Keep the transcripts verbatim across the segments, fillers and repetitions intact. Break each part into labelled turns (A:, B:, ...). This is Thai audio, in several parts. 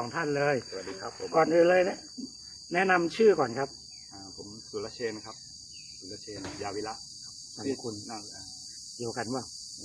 A: องท่านเลย
B: สวัสดีครับผม
A: ก่อนอื่นเลยนะแนะนำชื่อก่อนครับ
B: อ่าผมสุรเชนครับสุรเชนยาวิระ
A: นามสกุล
B: นั่งอ่า
A: เดียวกันว่าน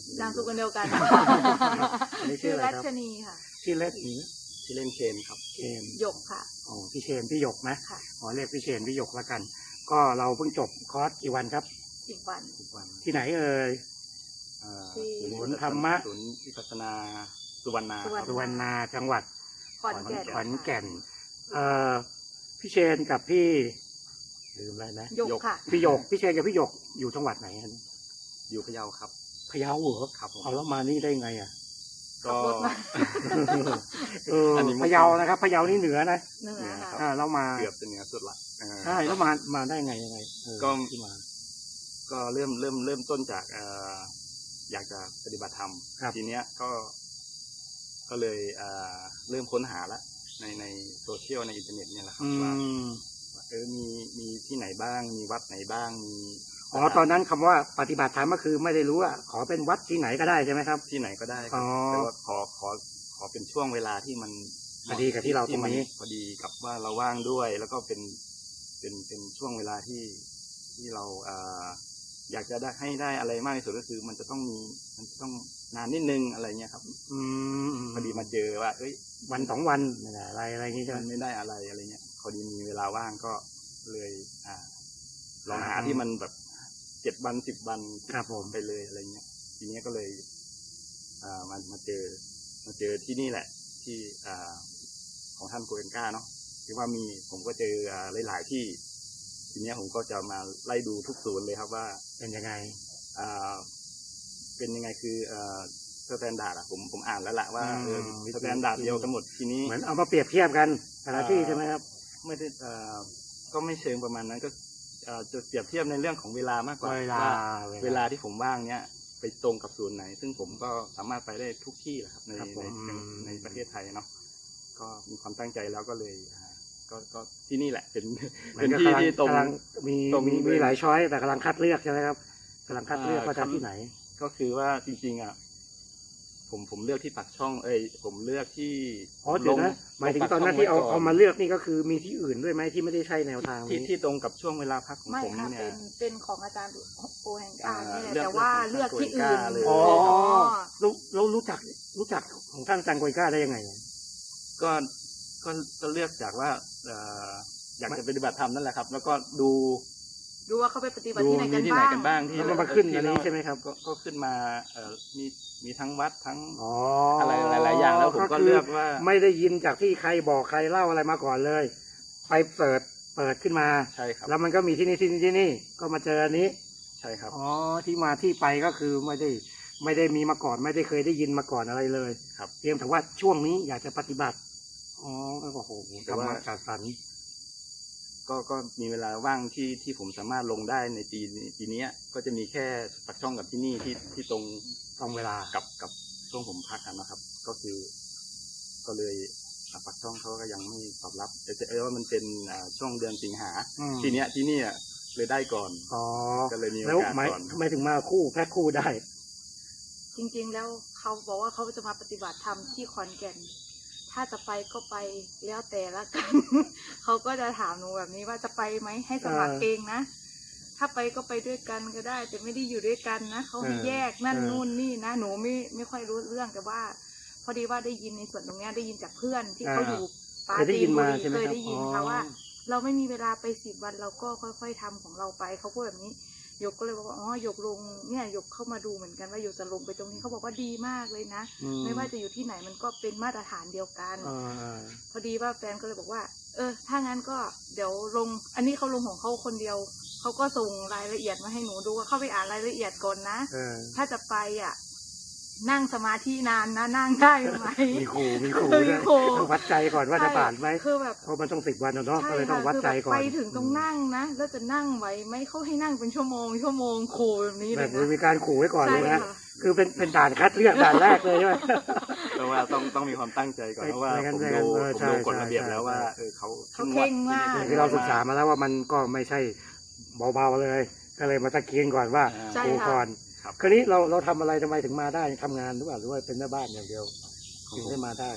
C: ามสกุลเดียวกัน
A: อันนี้ชื่
C: ชื่
A: อ
C: อ
A: อะไร
C: รั
A: ครับ
C: ชนีค่ะ
A: ชื่อเล็กหนี
B: ชื่อเล่นเชนครับ
A: เชน
C: หยกค่ะ
A: อ๋อพี่เชนพี่หยกนะ
C: ค่ะ
A: อ๋อเรียกพี่เชนพี่หยกละกัน ก็เราเพิ่งจบคอร์สกี่วันครับ
C: สิบวัน
B: ทุกวัน
A: ที่ไหนเอ่ย
B: อ่า
C: ที่
A: ศูนย์ธรรมะ
B: ศูนย์วิปัสสนาสุวรรณา
C: สุวรรณ
A: สุวรรณาจังหวัด
C: ขอนแก่น
A: ขอนแก่นเอ่อพี่เชนกับพี่ลืมอะไรนะ
C: หยกค่ะ
A: พี่หยกพี่เชนกับพี่หยกอยู่จังหวัดไหนฮะ
B: อยู่พะเยาครับ
A: พะเยาเหรอ
B: ครับผม
A: เอาแล้วมานี่ได้ไงอ่ะ
C: ขับรถมา
A: เอออน
B: นี้มัน
A: พะเยานะครับพะเยานี่เหนือนะ
C: เหนือค่ะ
A: อ่าเรามา
B: เกือบจะเหนือสุดละอ่า
A: ใช่แล้วมามาได้ไงยังไงเออ
B: ก็
A: ที่มา
B: ก็เริ่มเริ่มเริ่มต้นจากเอ่ออยากจะปฏิบัติธรรม
A: ครับ
B: ทีเนี้ยก็ก็เลยเอ่อเริ่มค้นหาละในในโซเชียลในอินเทอร์เน็ตเนี่ยแหละครับ
A: อื
B: ว่าม เออมีมีที่ไหนบ้าง มีวัดไหนบ้างมี
A: อ๋อตอนนั้นคำว่าปฏิบัติธรรมก็คือไม่ได้รู้ว่าขอเป็นวัดที่ไหนก็ได้ใช่ไหมครับ
B: ที่ไหนก็ได้ค
A: อ๋
B: รับ
A: อ
B: แต่ว่าขอขอขอเป็นช่วงเวลาที่มัน
A: พอดีกับที่เราตรงนี้
B: มัพอดีกับว่าเราว่างด้วย แล้วก็เป็นเป็นเป็นช่วงเวลาที่ที่เราเอ่ออยากจะได้ให้ได้อะไรมากที่สุดก็คือ มันจะต้องมีมันจะต้องนานนิดนึงอะไรเงี้ยครับ
A: อืม
B: พอดีมาเจอว่า เอ้ย
A: วันสองวันไม่ได้อะไรอะไรอย่างงี้ใช่ไหม
B: มันไม่ได้อะไรอะไรเงี้ยพอดีมีเวลาว่างก็เลยอ่าลองหา
A: อ่า
B: ที่มันแบบเจ็ดวันสิบวัน
A: ครับผม
B: ไปเลยอะไรเงี้ย ทีเนี้ยก็เลย อ่ามามาเจอมาเจอที่นี่แหละ ที่อ่าของท่านโกเอนก้าเนาะคือว่ามีผมก็เจออ่าหลายๆที่ ทีเนี้ยผมก็จะมาไล่ดูทุกศูนย์เลยครับว่า
A: เป็นยังไง
B: อ่าเป็นยังไงคืออ่าสแตนดาร์ดอะผมผมอ่านแล้วแหละว่าเออ
A: อืม
B: สแตนดาร์ดเดียวกันหมดทีนี้
A: เหมือนเอามาเปรียบเทียบกันแต่ละที่ใช่ไหมครับ
B: ไม่ได้เอ่อก็ไม่เชิงประมาณนั้นก็เอ่อจะเปรียบเทียบในเรื่องของเวลามากกว่า
A: เวลา
B: ว่าเวลาที่ผมว่างเนี้ยไปตรงกับศูนย์ไหน ซึ่งผมก็สามารถไปได้ทุกที่แหละครับใน
A: ครับผม
B: ในในประเทศไทยเนาะก็มีความตั้งใจแล้วก็เลยอ่าก็ก็ที่นี่แหละเป็น
A: มั
B: เป็น
A: ก็
B: ที่
A: กำลัง
B: ที่ตรง
A: กำลังมี
B: ตรง
A: มี
B: เลย
A: มีหลายช้อยแต่กำลังคัดเลือกใช่ไหมครับกำลังคัดเลือก
B: อ่า
A: ว่าจะ
B: คำ
A: ที่ไหน
B: ก็คือว่าจริงๆอ่ะผมผมเลือกที่ปักช่อง เอ้ยผมเลือกที่
A: อ๋อเดี๋ยวนะ
B: ล
A: หมายถึง
B: ลปัก
A: ตอนนั้น
B: ช่
A: ที่เอา
B: ไว้ก่
A: เอามาเลือกนี่ก็คือมีที่อื่นด้วยไหมที่ไม่ได้ใช่แนวทาง
B: ที่
A: นี้
B: ที่ตรงกับช่วงเวลาพักของ
C: ไม่
B: ผม
C: ค่ะ
B: เนี่
C: เป็
B: ย
C: นเป็นของอาจารย์โอแฮงกา
B: อ่า
C: เนี่ยแหละ
B: เลือก
C: แต่ว่า
B: เลื
C: เลื
B: อ
C: อก ก
B: ของ
C: ที่
B: โอแฮง
C: อื่น
B: กาเลย
A: อ๋อ
C: อ๋อ
A: รู้รู้รู้จักรู้จักของท่านอาจารย์โกยก้าได้ยังไง
B: ก็ก็ก็เลือกจากว่าเอ่ออยากจะปฏิบัติธรรมนั่นแหละครับ แล้วก็ดู
C: ดูว่าเขาไปปฏิบัติ
B: ดู
C: ที่ไหน
B: มี
C: กัน
B: ที่ไหน
C: บ้าง
B: กันบ้างที่
A: แล้วมันมาขึ้น
B: ที่
A: อันนี้
B: เรา
A: ใช่ไหมครับ
B: ก็ก็ขึ้นมาเอ่อมีมีทั้งวัดทั้ง
A: อ๋อ
B: อะ
A: อะไร
B: หลายๆอย่างแล้วผมก็
A: คื
B: เลือกว่า
A: ไม่ได้ยินจากที่ใครบอกใครเล่าอะไรมาก่อนเลย ไปเปิดเปิดขึ้นมา
B: ใช่ครับ
A: แล้วมันก็มีที่นี่ที่นี่ที่นี่ก็มาเจออันนี้
B: ใช่ครับ
A: อ๋อที่มาที่ไปก็คือไม่ได้ไม่ได้มีมาก่อนไม่ได้เคยได้ยินมาก่อนอะไรเลย
B: ครับ
A: เพียงแต่ว่าช่วงนี้อยากจะปฏิบัติอ๋อโอ้โห
B: แต่
A: ธรร
B: ว่า
A: มะจัดสรร
B: ก็ก็มีเวลาว่างที่ที่ผมสามารถลงได้ในปีปีเนี้ยก็จะมีแค่ปักช่องกับที่นี่ที่ที่ตรง
A: ต้องเวลา
B: กับกับช่วงผมพักกันนะครับ ก็คือ ก็เลยอ่าปักช่องเขาก็ยังไม่ตอบรับแต่แต่เออว่ามันเป็นอ่าช่วงเดือนสิงหา
A: อืม
B: ทีเนี้ยที่เนี่ยเลยได้ก่อน
A: อ๋อ
B: ก็เลยมีโอ
A: แล้ว
B: กาส
A: หมาย
B: ก่อน
A: ทำไมถึงมาคู่แพ็คคู่ได้
C: จริงๆแล้วเขาบอกว่าเขาจะมาปฏิบัติธรรมที่ขอนแก่น ถ้าจะไปก็ไปแล้วแต่ละกัน เขาก็จะถามหนูแบบนี้ว่าจะไปไหมให้สมัคร
A: เออ
C: เองนะ ถ้าไปก็ไปด้วยกันก็ได้ แต่ไม่ได้อยู่ด้วยกันนะเขาให้
A: เออ
C: แยกนั่น
A: เออ
C: นู่นนี่นะหนูไม่ไม่ค่อยรู้เรื่องแต่ว่า พอดีว่าได้ยินในส่วนตรงเนี้ยได้ยินจากเพื่อนที่เขาอยู่ปา
A: เคยได้
C: จี
A: ยิ
C: น
A: น
C: บุ
A: มา
C: รี
A: ใช่ไหม
C: เคย
A: ครับ
C: ได้ยิน
A: อ๋อ
C: ค่ะว่า เราไม่มีเวลาไปสิบวันเราก็ค่อยๆทำของเราไปเขาพูดแบบนี้หยกก็เลยบอกว่าอ๋อหยกลงเนี่ยหยกเข้ามาดูเหมือนกันว่าหยกจะลงไปตรงนี้เขาบอกว่าดีมากเลยนะ
A: อื
C: ไม่ว่าจะอยู่ที่ไหนมันก็เป็นมาตรฐานเดียวกัน
A: เออเออ
C: พอดีว่าแฟนก็เลยบอกว่า เออ ถ้างั้นก็เดี๋ยวลง อันนี้เขาลงของเขาคนเดียว เขาก็ส่งรายละเอียดมาให้หนูดูว่าเข้าไปอ่านรายละเอียดก่อนนะ
A: เออ
C: ถ้าจะไปอ่ะ นั่งสมาธินานนะนั่งได้ไหม
A: มีครูมีครู
C: เออมี
A: ด้วย
C: ครู
A: ต้องวัดใจก่อนว่าจะผ่านไหม
C: คือแบบ
A: เพราะมันต้องสิบวันอะเนาะ
C: ใช่
A: ก็เลยต้อ
C: ค่ะ
A: งวัด
C: คือ
A: ใจ
C: แบบ
A: ก่อน
C: ไปถึงต้องนั่งนะแล้วจะนั่งไหวไหมเขาให้นั่งเป็นชั่วโมงชั่วโมงครูแบบนี้
A: แบ
C: เล
A: บ
C: ยนะ
A: มีการขู่ไว้ก่อน
C: ใช่
A: เลยนะ
C: ค่ะ
A: คือเป็นเป็นด่านคัดเลือกด่านแรกเลยใช่ไหม
B: เพราะว่าต้องต้องมีความตั้งใจก่อนเพราะว่า
A: ไม่งั้น
B: ผม
A: ไม่งั้
B: ดู
A: นเออ
B: ผม
A: ใช่
B: ดูกฎ
A: ใช่
B: ระเบียบ
A: ใช่
B: แล้วว่า
A: ใช่
B: เออเขา
C: เขาเคร่งมาก
B: ที่นี่
A: คือเราศึกษามาแล้วว่ามันก็ไม่ใช่เบาๆเลย ก็เลยมาตะเกียงก่อนว่า
C: ใช่
A: ดู
C: ค่ะ
A: ก่อน
B: ครับ
A: คราวนี้เราเราทำอะไรทำไมถึงมาได้ทำงานหรือเปล่าหรือว่าเป็นแม่บ้านอย่างเดียว
B: ของ
A: ถึง
B: ผม
A: ได้มาได้
B: ของ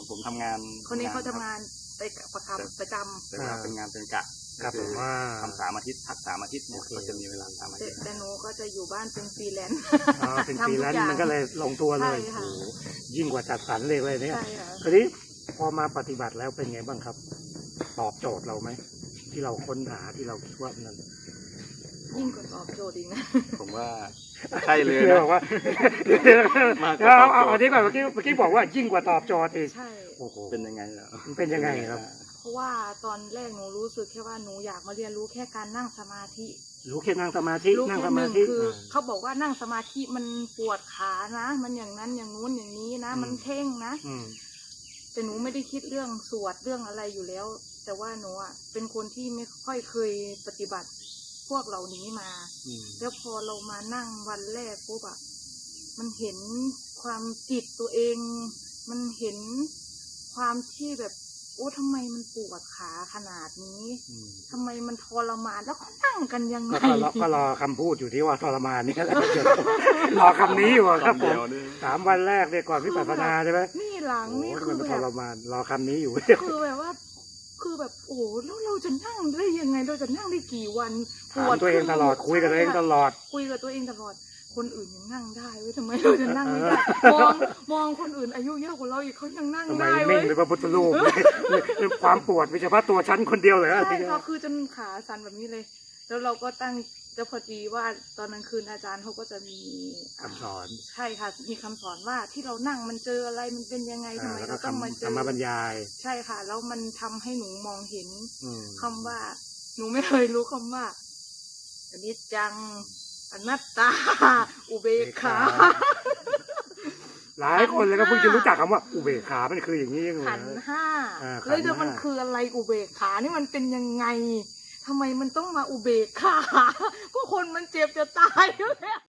B: ผมทำงาน
C: คนนี้เขา
B: ค
C: ทำ
B: รับ
C: งานไปประจำประจำ
B: แต่ว่าเป็นงานเป็นกะ
A: ครับ
B: ก็
A: ผมว่า
B: ทำสามอาทิตย์พักสามอาทิตย์เนี่ย
A: โอเค
B: ก็จะมีเวลาสามอา
C: แต่
B: ทิตย์
C: แต่หนูก็จะอยู่บ้านเป็นฟรีแลนซ์
A: อ๋อเป็น
C: ทำ
A: ฟรี
C: ทุก
A: แลน
C: อย่า
A: ซ์
C: ง
A: มันก็เลยลงตัวเลย
C: ใช่ค่ะ
A: โอ้โหยิ่งกว่าจัดสรรเลยเลยเนี่ย
C: ใช่ค่ะ
A: คราวนี้พอมาปฏิบัติแล้วเป็นไงบ้างครับ ตอบโจทย์เราไหมที่เราค้นหาที่เราคิดว่านั้น
C: ยิ่งกว่าตอบโจทย์อีกนะ
B: ผมว่าใช่เลย
A: เดี๋ยว
B: นะ
A: บอกว่า
B: มากก
A: เอา
B: ว่าตอบ
A: เอา
B: โจทย์
A: เอาที่ก่อนเมื่อกี้เมื่อกี้บอกว่ายิ่งกว่าตอบโจทย์อีก
C: ใช่
A: โอ้โห
B: เป็นยังไงเหรอ
A: มันเป็นยังไงครับ
C: เพราะว่าตอนแรกหนูรู้สึกแค่ว่าหนูอยากมาเรียนรู้แค่การนั่งสมาธิ
A: รู้แค่นั่งสมาธิ
C: รู้
A: นั่ง
C: แค่
A: ส
C: ห
A: มา
C: นึ่ง
A: ธิ
C: คือ
A: อ่า
C: เขาบอกว่านั่งสมาธิมันปวดขานะ มันอย่างนั้นอย่างนู้นอย่างนี้นะ
A: อืม
C: มันเพ่งนะ
A: อืม
C: แต่หนูไม่ได้คิดเรื่องสวดเรื่องอะไรอยู่แล้ว แต่ว่าหนูอ่ะเป็นคนที่ไม่ค่อยเคยปฏิบัติพวกเหล่านี้มา
A: อืม
C: แล้วพอเรามานั่งวันแรกปุ๊บอะมันเห็นความจิตตัวเอง มันเห็นความที่แบบโอ้ทำไมมันปวดขาขนาดนี้
A: อืม
C: ทำไมมันทรมานแล้วเขานั่งกันยังไง
A: ก็รอก็รอคำพูดอยู่ที่ว่าทรมานนี่แหละ รอคำนี้อยู่อะครับ
B: คำ
A: ผ
B: เดี
A: ม
B: ยวนี่
A: สามวันแรกเนี่ยก่อนวิปัสสนาใช่ไหม
C: นี่หลัง
A: โอ้
C: นี่
A: ย
C: คือ
A: มัน
C: แบ
A: ท
C: บ
A: รมานรอคำนี้อยู่
C: คือแบบว่า คือแบบโอ้แล้วเราจะนั่งได้ยังไงเราจะนั่งได้กี่วัน
A: ถามตัวเองตลอดคุยกับตัวเองตลอด
C: คุยกับตัวเองตลอด คนอื่นยังนั่งได้เว้ยทำไมเราจะนั่งไม่ได้ มองมองคนอื่นอายุเยอะกว่าเราอีกเขายังนั่ง
A: ทำไม
C: ได้
A: นิ่
C: เว้
A: ง
C: ย
A: เป็นพระพุทธรูปเลยความปวดมีเฉพาะตัวฉันคนเดียวเลย
C: ใช่ค่ะคือจนขาสั่นแบบนี้เลย แล้วเราก็ตั้งแล้วพอดีว่าตอนกลางคืนอาจารย์เขาก็จะมี
A: คำสอน
C: ใช่ค่ะ มีคำสอนว่าที่เรานั่งมันเจออะไรมันเป็นยังไงทำไม
A: แล้วก็
C: เราต้องมา
A: คำ
C: เจ
A: ธร
C: อ
A: รมบรรยาย
C: ใช่ค่ะ แล้วมันทำให้หนูมองเห็น
A: อืม
C: คำว่า หนูไม่เคยรู้คำว่าอนิจจังอนัตตา อุเบกขา
A: หลายคนเลยก็เพิ่งจะรู้จักคำว่าอุเบกขามันคืออย่างนี้เองเล
C: ขัน
A: ย
C: ธ์ห้า
A: อ่าขันธ์
C: แล้วเดี๋ยว
A: ห้ามั
C: มันคืออะไรอุเบกขานี่มันเป็นยังไงทำไมมันต้องมาอุเบกขา ก็คนมันเจ็บจะตายอยู่แล้ว